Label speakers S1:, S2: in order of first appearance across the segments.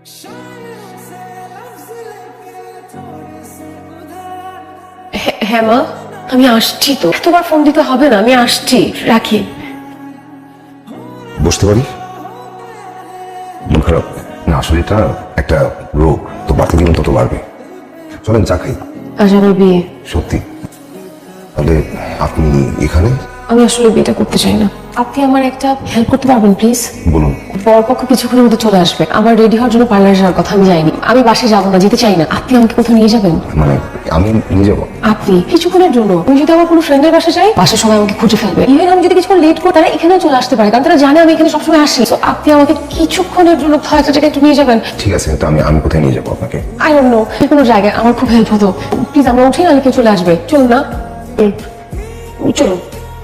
S1: হ্যাঁ মা, আমি আসছি তো। এতবার ফোন দিতে হবে না, আমি আসছি, রাখি।
S2: বসতে পারি? মন খারাপ না, আসলে এটা একটা রোগ, তো বাড়তে দিন তত বাড়বে। চলেন চা খাই।
S1: আজ আমার বিয়ে।
S2: সত্যি? তাহলে আপনি এখানে?
S1: আমি আসলে বিয়েটা করতে চাই না। আপনি আমার একটা হেল্প করতে পারবেন প্লিজ?
S2: বলুন।
S1: বরপক্ষ কিছুক্ষণের মধ্যে চলে আসবে। আমার রেডি হওয়ার জন্য পার্লারে যাওয়ার কথা, আমি যাইনি। আমি বাসায় যাবো না, যেতে চাই না। আপনি আমাকে কোথাও নিয়ে যাবেন?
S2: মানে আমি নিয়ে যাবো?
S1: আপনি কিছুক্ষণের জন্য। আমি যদি আমার কোনো ফ্রেন্ডের বাসা যাই, বাসার সময় আমাকে খুঁজে ফেলবে। ইভেন আমি যদি কিছুক্ষণ লেট করি, তারা এখানেও চলে আসতে পারে, কারণ তারা জানে আমি এখানে সবসময় আসি। তো আপনি আমাকে কিছুক্ষণের জন্য একটা জায়গায় একটু নিয়ে যাবেন?
S2: ঠিক আছে, তো আমি কোথায় নিয়ে যাবো আপনাকে?
S1: আই ডোন্ট নো, কোনো জায়গায় আমার খুব হেল্প হতো। প্লিজ আমরা উঠি, নাহলে কেউ চলে আসবে। চলুন না, চলুন।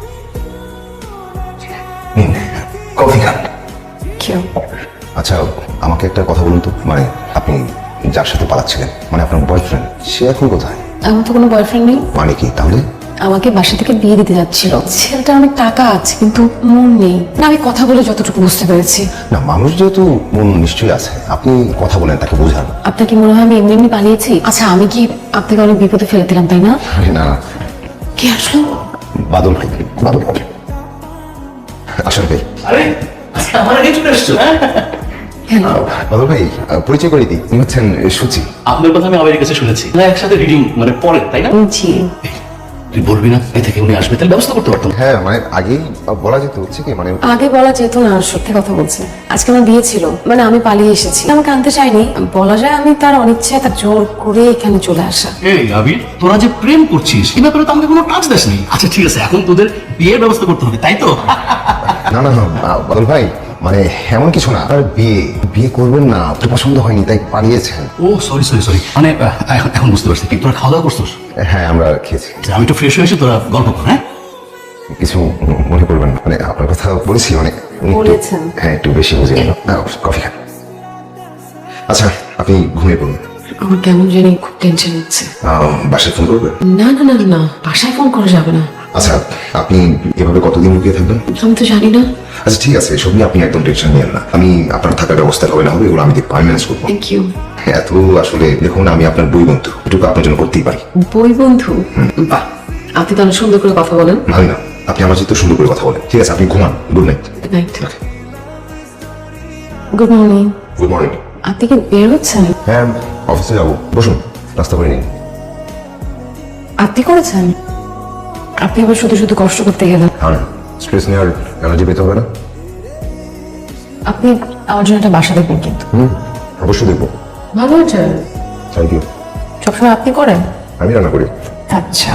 S2: কফি খান।
S1: কেউ?
S2: আচ্ছা, আমাকে একটা কথা বলুন তো, মানে আপনি যার সাথে পালাচ্ছিলেন, মানে আপনার বয়ফ্রেন্ড, সে এখন কোথায়?
S1: আমার তো কোনো বয়ফ্রেন্ড নেই।
S2: মানে কি তাহলে?
S1: আমাকে বাসা থেকে বিয়ে দিতে যাচ্ছিল। ছেলেটা অনেক টাকা আছে, কিন্তু মন নেই। না, আমি কথা বলে যতটুকু বুঝতে পেরেছি।
S2: না, মানুষ যেহেতু মন নিশ্চয়ই আছে, আপনি কথা বলেন, তাকে বোঝান।
S1: আপনার কি মনে হয় আমি এমনি এমনি পালিয়েছি? আচ্ছা, আমি কি আপনাকে অনেক বিপদে ফেলে দিলাম, তাই না?
S2: আরে না,
S1: কে আসলো?
S2: বাদল ভাই। বাদল ভাই, আসেন ভাই।
S3: আরে আমার আগে চলে আসছো।
S1: হ্যালো।
S2: বাদল ভাই, পরিচয় করে দিই, উনি হচ্ছেন সুচি।
S3: আপনার কথা আমি আমেরিকা কাছে শুনেছি, না একসাথে রিডিং মানে পড়ে, তাই না?
S1: জি।
S3: তুই বলবি না এ থেকে উনি আসবে, তাহলে ব্যবস্থা করতে পারতাম।
S2: হ্যাঁ, মানে আগেই বলা যেত, হচ্ছে কি মানে
S1: আগে বলা যেত না, সত্যি কথা বলছে। আজকে আমার বিয়ে ছিল, মানে আমি পালিয়ে এসেছি। আমাকে আনতে চাইনি, বলা যায় আমি তার অনিচ্ছায়, তার জোর করে এখানে চলে আসা।
S3: এই আবির, তোরা যে প্রেম করছিস এ ব্যাপারে তো আমাকে কোনো টাচ দেসনি। আচ্ছা ঠিক আছে, এখন তোদের বিয়ের ব্যবস্থা করতে হবে, তাই তো?
S2: না না না, বাদল ভাই, মানে এমন কিছু না। আর বিয়ে বিয়ে করবেন না, আপনার পছন্দ হয়নি তাই পালিয়েছেন।
S3: ও সরি সরি সরি, মানে এখন বুঝতে পারছি। কি তোরা খাওয়া দাওয়া করছিস?
S2: হ্যাঁ, আমরা খেয়েছি।
S3: আমি একটু ফ্রেশ হয়ে এসে তোরা গল্প কর। হ্যাঁ,
S2: কিছু মনে করবেন না, মানে আপনার কথা বলেছি, মানে উনি একটু-
S1: বলেছেন?
S2: হ্যাঁ, একটু বেশি বুঝে গেল। কফি খান। আচ্ছা, আপনি ঘুমিয়ে পড়ুন।
S1: আমার কেমন জানি খুব টেনশন হচ্ছে।
S2: বাসায় ফোন করবেন?
S1: না না না না, বাসায় ফোন করা যাবে না।
S2: আচ্ছা, আপনি এভাবে কতদিন লুকিয়ে থাকবেন?
S1: আমি তো জানি না।
S2: আচ্ছা ঠিক আছে, এসব নিয়ে আপনি একদম টেনশন নিয়েন না। আমি আপনার থাকার ব্যবস্থা হবে না হবে, এগুলো আমি দেখবো, আমি ম্যানেজ করবো।
S1: Thank you.
S2: এত আসলে দেখুন, আমি আপনার বই বন্ধু, এটুকু আপনার জন্য করতেই পারি।
S1: বই বন্ধু? বাহ, আপনি তো অনেক সুন্দর করে কথা বলেন।
S2: ভাবি না, আপনি আমার সাথে সুন্দর করে কথা বলেন। ঠিক আছে, আপনি ঘুমান। Good night.
S1: Good night. Good morning.
S2: Good morning.
S1: আপনি কি বের হচ্ছেন?
S2: হ্যাঁ, অফিসে যাবো, বসুন, নাস্তা করে নিন।
S1: আপনি করেছেন? আপনি আবার শুধু শুধু কষ্ট করতে গেলেন।
S2: হ্যাঁ, স্ট্রেস নেওয়ার এনার্জি পেতে হবে না?
S1: আপনি আমার জন্য একটা বাসা দেখবেন কিন্তু।
S2: অবশ্যই দেখবো।
S1: ভালো হয়েছে।
S2: Thank you.
S1: সবসময় আপনি করেন?
S2: আমি রান্না করি।
S1: আচ্ছা।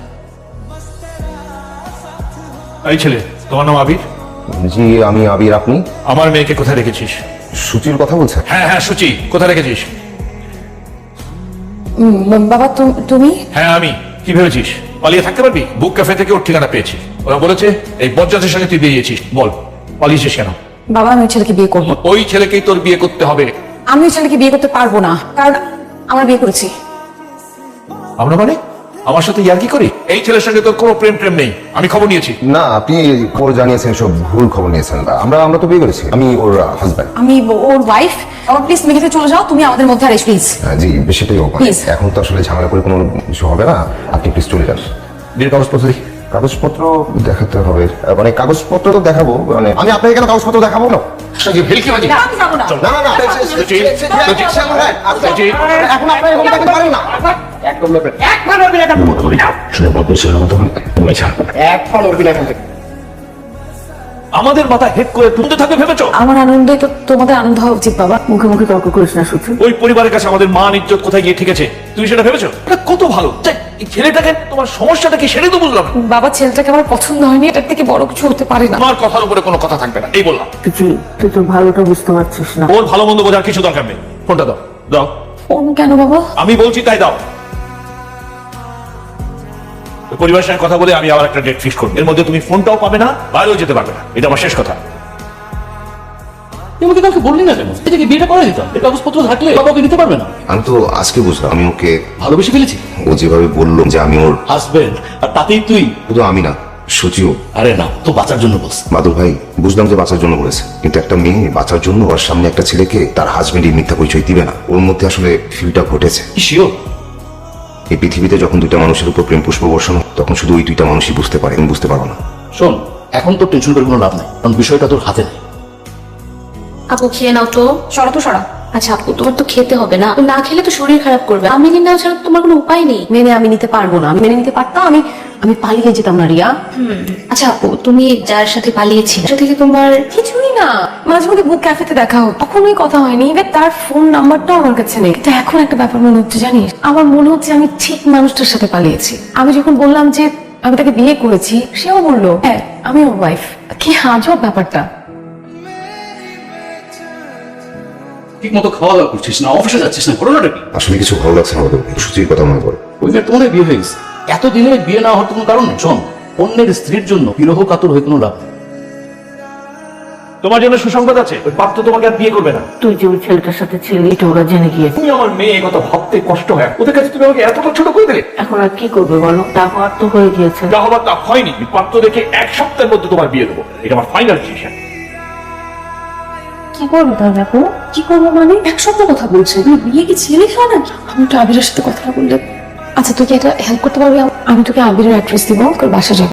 S4: এই ছেলে, তোমার নাম আবির?
S2: জি, আমি আবির। আপনি?
S4: আমার মেয়েকে কোথায় রেখেছিস?
S2: সুচির কথা বলছেন?
S4: হ্যাঁ হ্যাঁ, সুচি, কোথায় রেখেছিস?
S1: বাবা, তুমি?
S4: হ্যাঁ আমি। কি ভেবেছিস পালিয়ে থাকতে পারবি? বুক ক্যাফে থেকে ওর ঠিকানা পেয়েছি। ওরা বলেছে এই বজ্জাতের সঙ্গে তুই বেরিয়েছিস। বল, পালিয়েছিস কেন?
S1: বাবা, আমি ওই ছেলেকে বিয়ে করবো।
S4: ওই ছেলেকেই তোর বিয়ে করতে হবে।
S1: আমি ওই ছেলেকে বিয়ে করতে পারবো না, কারণ আমরা বিয়ে করেছি।
S4: আমরা মানে আমার সাথে ইয়ার্কি করি? এই ছেলের সঙ্গে তোর কোনো প্রেম প্রেম নেই, আমি খবর নিয়েছি।
S2: না, আপনি খবর জানিয়েছেন, সব ভুল খবর নিয়েছেন। আমরা তো বিয়ে করেছি, আমি ওর হাজব্যান্ড।
S1: আমি ওর ওয়াইফ। আমার প্লিজ মেঘেতে চলে যাও, তুমি আমাদের মধ্যে আর এস প্লিজ।
S2: জি, সেটাই হোক।
S1: Please.
S2: এখন তো আসলে ঝামেলা করে কোনো কিছু হবে না, আপনি প্লিজ চলে যান।
S4: বিয়ের কাগজপত্র দেখি।
S2: কাগজপত্র দেখাতে হবে? মানে কাগজপত্র তো দেখাবো, মানে আমি আপনাকে কেন কাগজপত্র দেখাবো না?
S4: ভেলকি বাজি।
S1: আমি যাবো না।
S2: না না না,
S4: সুচি, সুচি,
S2: এখন আপনারা এরকম দেখতে পারেন না।
S4: আমাদের মাথা হেড করে তুলতে থাকবে ভেবেছো?
S1: আমার আনন্দে তো তোমাদের আনন্দ হওয়া উচিত বাবা। মুখে মুখে তর্ক করিস না শুধু।
S4: ওই পরিবারের কাছে আমাদের মান ইজ্জত কোথায় গিয়ে ঠিকেছে, তুমি সেটা ভেবেছো? এটা কত ভালো। এই ছেলেটাকে, তোমার সমস্যাটা কি সেটাই তো বুঝলাম না।
S1: বাবা, ছেলেটাকে আমার পছন্দ হয়নি, এটার থেকে বড় কিছু হতে পারে না।
S4: আমার কথার উপরে কোনো কথা থাকবে না, এই বললাম।
S1: তুই তো ভালোটা বুঝতে পারছিস না।
S4: ওর ভালো মন্দ বোঝার কিছু দরকার নেই। ফোনটা দাও, দাও।
S1: ফোন কেন বাবা?
S4: আমি বলছি তাই দাও। ওই পরিবারের সঙ্গে কথা বলে আমি আবার একটা ডেট ফিক্স করবো। এর মধ্যে তুমি ফোনটাও পাবে না, বাইরেও যেতে পারবে না। এটা আমার শেষ কথা। তুই আমাকে কালকে বললি না কেন? এটাকে বিয়েটা করে দিতাম, এই কাগজপত্র থাকলে বাবাকে নিতে পারবে না।
S2: আমি তো আজকে বুঝলাম, আমি ওকে
S4: ভালোবেসে ফেলেছি।
S2: ও যেভাবে বললো যে আমি ওর
S4: হাজবেন্ড, আর তাতেই তুই।
S2: শুধু আমি না, সচিও
S3: আরে না, তো বাঁচার জন্য বলছে।
S2: বাদল ভাই, বুঝলাম যে বাঁচার জন্য বলেছে, কিন্তু একটা মেয়ে বাঁচার জন্য ওর সামনে একটা ছেলেকে তার হাজবেন্ডের মিথ্যা পরিচয় দিবে না। ওর মধ্যে আসলে ফিলটা ঘটেছে।
S3: কি শিওর?
S2: এই পৃথিবীতে যখন দুইটা মানুষের উপর প্রেম পুষ্প বর্ষণ হয়, তখন শুধু ওই দুইটা মানুষই বুঝতে পারে, আমি বুঝতে পারবো না।
S3: শোন, এখন তো টেনশন করে কোনো লাভ নাই, কারণ বিষয়টা তোর হাতে নেই।
S5: আপু খেয়ে নাও তো।
S1: সরা তো সরা।
S5: আচ্ছা আপু, তোমার তো খেতে হবে না, না খেলে তো শরীর খারাপ করবে। আমি না ছাড়া তো তোমার কোনো উপায় নেই।
S1: মেনে আমি নিতে পারবো না। আমি মেনে নিতে পারতাম, আমি পালিয়ে যেতাম না রিয়া।
S5: আচ্ছা আপু, তুমি যার সাথে পালিয়েছিলে সেটা থেকে তোমার
S1: কিছুই না, মাঝে মধ্যে বুক ক্যাফেতে দেখা হতো, কখনোই কথা হয়নি। এবার তার ফোন নাম্বারটাও আমার কাছে নেই। কিন্তু এখন একটা ব্যাপার মনে হচ্ছে জানিস, আমার মনে হচ্ছে আমি ঠিক মানুষটার সাথে পালিয়েছি। আমি যখন বললাম যে আমি তাকে বিয়ে করেছি, সেও বললো হ্যাঁ আমি ওর ওয়াইফ। কি আজব ব্যাপারটা।
S3: ঠিক মতো খাওয়া দাওয়া করছিস না, অফিসে যাচ্ছিস না, ঘটনাটা কি?
S2: আসলে কিছু ভালো লাগছে না বাদল ভাই, সুচির কথা মনে পড়ে।
S3: ওই মেয়ের তোমাদের বিয়ে হয়ে গেছে, এতদিনে বিয়ে না হওয়ার কোনো কারণ নেই। শোন, অন্যের স্ত্রীর জন্য বিরহ কাতর হয়ে কোনো লাভ নেই।
S4: তোমার জন্য সুসংবাদ আছে, ওই পাত্র তোমাকে আর বিয়ে করবে না।
S6: তুই যে ওই ছেলেটার সাথে ছিলি এটা ওরা জেনে গিয়েছে।
S4: তুমি আমার মেয়ে, কথা ভাবতে কষ্ট হয়। ওদের কাছে তুমি আমাকে এতটা ছোট করে দিলে।
S6: এখন আর কি করবে বলো, তা হওয়ার তো হয়ে গিয়েছে।
S4: যা হবার তা হয়নি। আমি পাত্র দেখে 1 সপ্তাহের মধ্যে তোমার বিয়ে দেবো, এটা আমার ফাইনাল ডিসিশন।
S1: কি করবো তাহলে আপু? কি করবো মানে? এক সপ্তাহ কথা বলছে, তুমি বিয়ে কি ছেলে খাও না? আমি তো আবিরের সাথে কথা বললে। আচ্ছা তুই কি এটা হেল্প করতে পারবি? আমি তোকে আবিরের অ্যাড্রেস দিব, ওর বাসা যাবো।